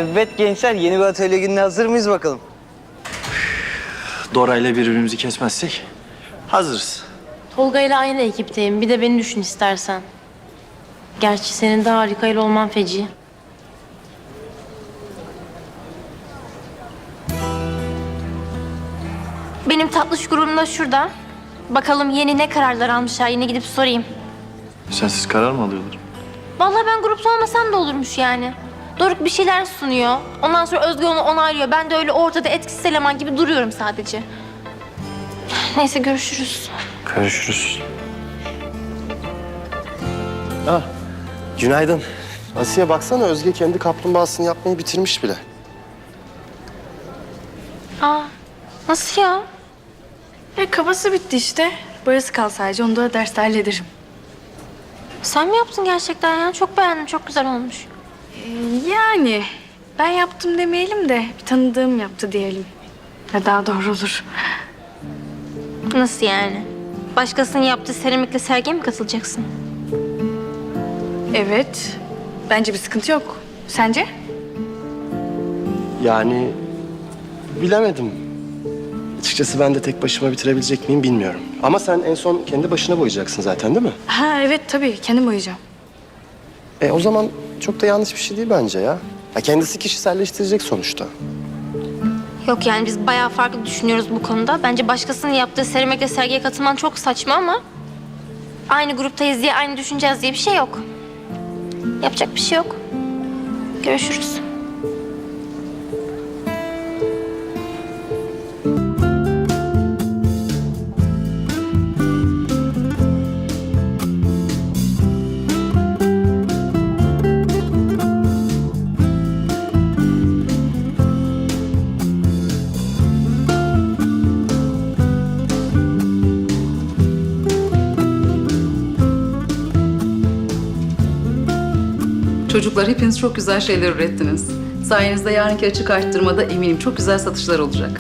Evet gençler, yeni bir atölye gününe hazır mıyız bakalım? Dora ile birbirimizi kesmezsek hazırız. Tolga ile aynı ekipteyim. Bir de beni düşün istersen. Gerçi senin de harika ile olman feci. Benim tatlış grubum da şurada. Bakalım yeni ne kararlar almışlar. Yine gidip sorayım. Sensiz karar mı alıyorlar? Vallahi ben grupta olmasam da olurmuş yani. Doruk bir şeyler sunuyor. Ondan sonra Özge onu onaylıyor. Ben de öyle ortada etkisiz eleman gibi duruyorum sadece. Neyse görüşürüz. Görüşürüz. Günaydın. Asiye baksana, Özge kendi kaplumbağasını yapmayı bitirmiş bile. Aa, nasıl ya? Kafası bitti işte. Boyası kal sadece. Onu da derste hallederim. Sen mi yaptın gerçekten ya? Çok beğendim. Çok güzel olmuş. Yani ben yaptım demeyelim de bir tanıdığım yaptı diyelim. Ya daha doğru olur. Nasıl yani? Başkasının yaptığı seramikle sergiye mi katılacaksın? Evet. Bence bir sıkıntı yok. Sence? Yani bilemedim. Açıkçası ben de tek başıma bitirebilecek miyim bilmiyorum. Ama sen en son kendi başına boyayacaksın zaten, değil mi? Ha evet tabii. Kendim boyayacağım. O zaman çok da yanlış bir şey değil bence ya. Ya kendisi kişiselleştirecek sonuçta. Yok yani biz bayağı farklı düşünüyoruz bu konuda. Bence başkasının yaptığı seramikle sergiye katılman çok saçma ama... ...aynı gruptayız diye aynı düşüneceğiz diye bir şey yok. Yapacak bir şey yok. Görüşürüz. Çocuklar hepiniz çok güzel şeyler ürettiniz. Sayenizde yarınki açık arttırmada eminim çok güzel satışlar olacak.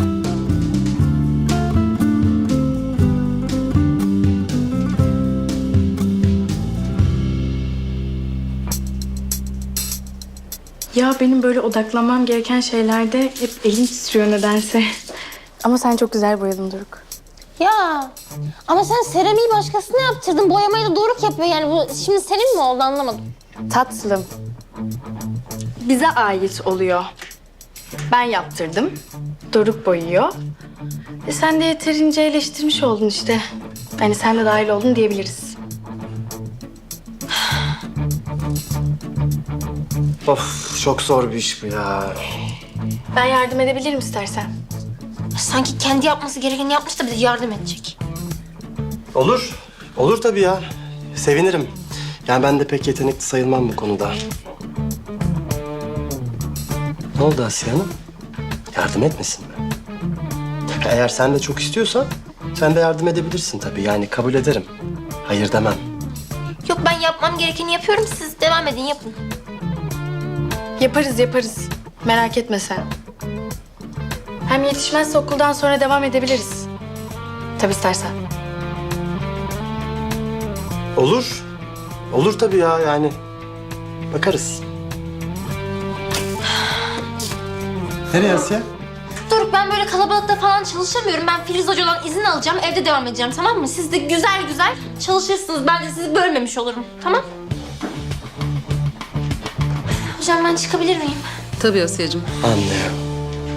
Ya benim böyle odaklanmam gereken şeylerde hep elim titriyor nedense. Ama sen çok güzel boyadın Doruk. Ya ama sen seramiği başkasına yaptırdın. Boyamayı da Doruk yapıyor. Yani bu şimdi senin mi oldu anlamadım. Tatlım. Bize ait oluyor. Ben yaptırdım. Doruk boyuyor. Sen de yeterince eleştirmiş oldun işte. Yani sen de dahil oldun diyebiliriz. Of, çok zor bir iş bu ya. Ben yardım edebilirim istersen. Sanki kendi yapması gerekeni yapmış da bize yardım edecek. Olur. Olur tabii ya. Sevinirim. Yani ben de pek yetenekli sayılmam bu konuda. Ne oldu Asiye Hanım? Yardım etmesin mi? Eğer sen de çok istiyorsan sen de yardım edebilirsin tabii. Yani kabul ederim. Hayır demem. Yok ben yapmam gerekeni yapıyorum. Siz devam edin yapın. Yaparız yaparız. Merak etme sen. Hem yetişmezse okuldan sonra devam edebiliriz. Tabii istersen. Olur. Olur tabii ya, yani. Bakarız. Nereye Asiye? Doruk ben böyle kalabalıkta falan çalışamıyorum. Ben Filiz Hoca'dan izin alacağım. Evde devam edeceğim tamam mı? Siz de güzel güzel çalışırsınız. Ben de sizi bölmemiş olurum. Tamam? Hocam ben çıkabilir miyim? Tabii Asiye'cim. Anlıyorum.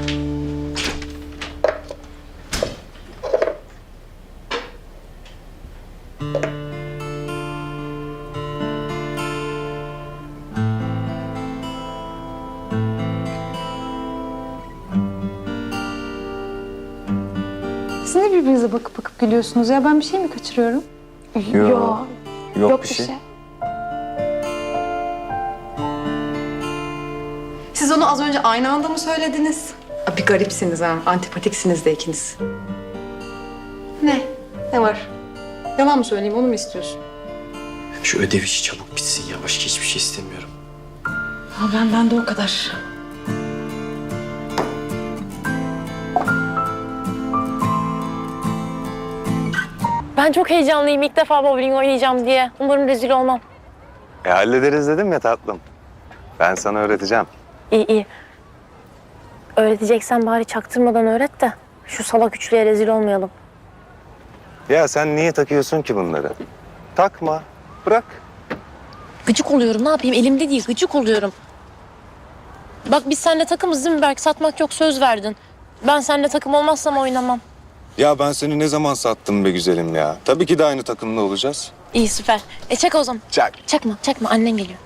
Siz ne birbirinize bakıp bakıp gülüyorsunuz ya? Ben bir şey mi kaçırıyorum? Yok bir şey. Siz onu az önce aynı anda mı söylediniz? Bir garipsiniz ha, antipatiksiniz de ikiniz. Ne? Ne var? Yalan mı söyleyeyim, onu mu istiyorsun? Şu ödev işi çabuk bitsin ya. Başka hiçbir şey istemiyorum. Ben de o kadar. Ben çok heyecanlıyım. İlk defa bowling oynayacağım diye. Umarım rezil olmam. Hallederiz dedim ya tatlım. Ben sana öğreteceğim. İyi iyi. Öğreteceksen bari çaktırmadan öğret de şu salak üçlüye rezil olmayalım. Ya sen niye takıyorsun ki bunları? Takma. Bırak. Gıcık oluyorum, ne yapayım? Elimde değil, gıcık oluyorum. Bak biz seninle takımız değil mi Berk? Satmak yok, söz verdin. Ben seninle takım olmazsam oynamam. Ya ben seni ne zaman sattım be güzelim ya? Tabii ki de aynı takımda olacağız. İyi, süper. Çak o zaman. Çak. Çakma. Annen geliyor.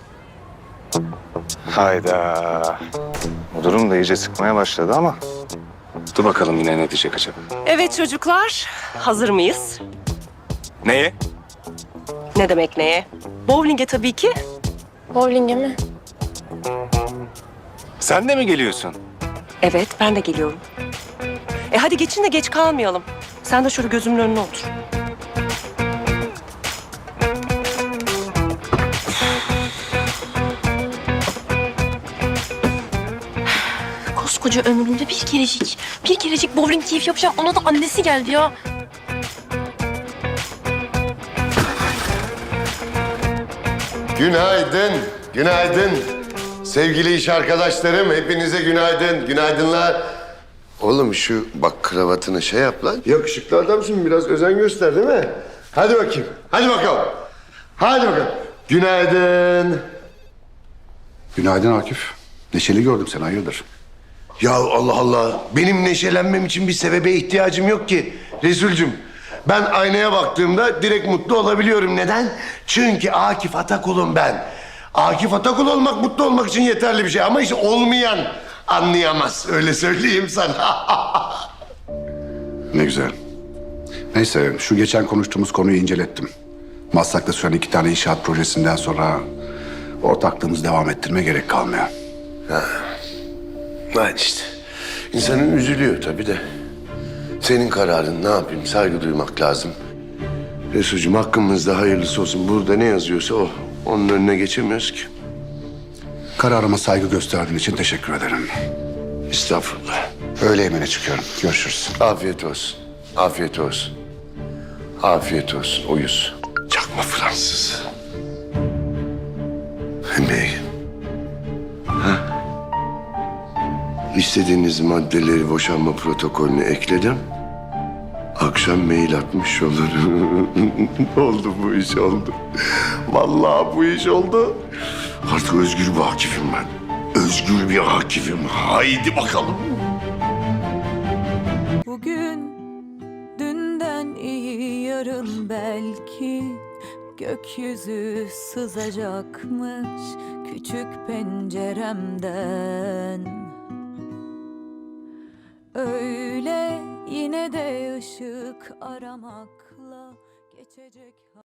Hayda. Bu durum da iyice sıkmaya başladı ama... Dur bakalım yine ne diyecek acaba? Evet çocuklar, hazır mıyız? Neye? Ne demek neye? Bowling'e tabii ki. Bowling'e mi? Sen de mi geliyorsun? Evet, ben de geliyorum. Hadi geçin de geç kalmayalım. Sen de şöyle gözümün önüne otur. Koskoca ömrümde bir kerecik bowling keyif yapacağım. Ona da annesi geldi ya. Günaydın, günaydın. Sevgili iş arkadaşlarım, hepinize günaydın, günaydınlar. Oğlum şu bak kravatını şey yap lan. Yakışıklı adamsın, biraz özen göster değil mi? Hadi bakayım, hadi bakalım. Hadi bakalım. Günaydın. Günaydın Akif. Neşeli gördüm seni, hayırdır? Ya Allah Allah, benim neşelenmem için bir sebebe ihtiyacım yok ki Resulcüm. Ben aynaya baktığımda direkt mutlu olabiliyorum. Neden? Çünkü Akif Atakul'um ben. Akif Atakul olmak mutlu olmak için yeterli bir şey. Ama işte olmayan anlayamaz. Öyle söyleyeyim sana. Ne güzel. Neyse, şu geçen konuştuğumuz konuyu incelettim. Maslak'ta süren 2 tane inşaat projesinden sonra ortaklığımızı devam ettirmeye gerek kalmıyor. Hadi işte. İnsanın üzülüyor tabii de. Senin kararın, ne yapayım, saygı duymak lazım. Resulcüğüm hakkımızda hayırlısı olsun. Burada ne yazıyorsa o. Onun önüne geçemiyoruz ki. Kararıma saygı gösterdiğin için teşekkür ederim. Estağfurullah. Öğle yemeğine çıkıyorum. Görüşürüz. Afiyet olsun. Afiyet olsun. Afiyet olsun. Uyuz. Çakma Fransız. Bey. Ha? İstediğiniz maddeleri boşanma protokolüne ekledim. Akşam mail atmış olurum. Oldu bu iş oldu. Vallahi bu iş oldu. Artık özgür bir Akif'im ben. Özgür bir Akif'im. Haydi bakalım. Bugün dünden iyi yarın belki gökyüzü sızacakmış küçük penceremden. Öyle yine de ışık aramakla geçecek.